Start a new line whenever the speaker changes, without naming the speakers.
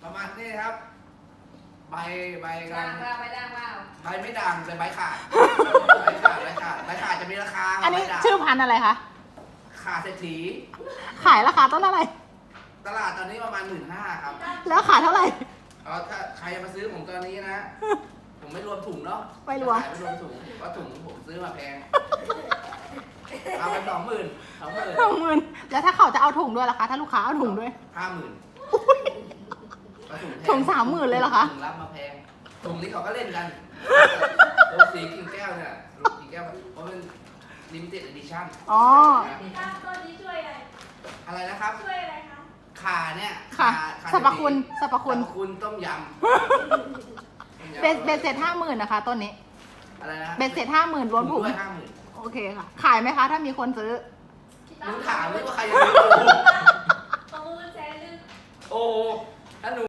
ประมาณนี้ครับใบกั
ด่าน งเปล่าใบด่างเปล่า
ใบไม่ดังเลยใบขาดใบขาดจะมีราคา
อันนี้
ใบด่าง
ชื่อพันธุ์อะไรคะ
ขาดเศรษฐี
ขายราคาต้นอะไร
ตลาดตอนนี้ประมาณ 15,000 ครับ
แล้วขายเท่าไหร่
ถ้าใครจะมาซื้อผมตอนนี้นะ ผมไม่รวมถุงเนาะ
ไม่รวม
ขายไม่รวมถุงเพราะถุงผมซื้อมาแพงเอาไป20,000
20,000แล้วถ้าเขาจะเอาถุงด้วยล่ะคะ ถ้าลูกค้าเอาถุงด้วย
50,000
ถุง30,000เลยเหรอคะ
ถุงรับมาแพงถุงนี้เขาก็เล่นกันโรสีกิ่งแก้วเนี่ยกิ่งแก้วเพราะเป็นlimited edition
อ๋อ
พี่ตั้มต้นนี้ช่วยอะไร
อะไรนะครับ
ช่วยอะไรคะ
ขาเนี่ย
ค่ะ
ขา
สรรพคุณสรรพคุณ
คุณต้มยำ
เบ็ดเสร็จ50,000นะคะต้นนี้
อะไรนะ
เบ็ดเสร็จ50,000รวมถุง
ด้วย50,000
โอเคค่ะ ขายไหมคะ ถ้ามีคนซื้อ
มึงถามเลยว่าใครจะซื้อ
ประมูลแสนนึง
โอ้ถ้าหนู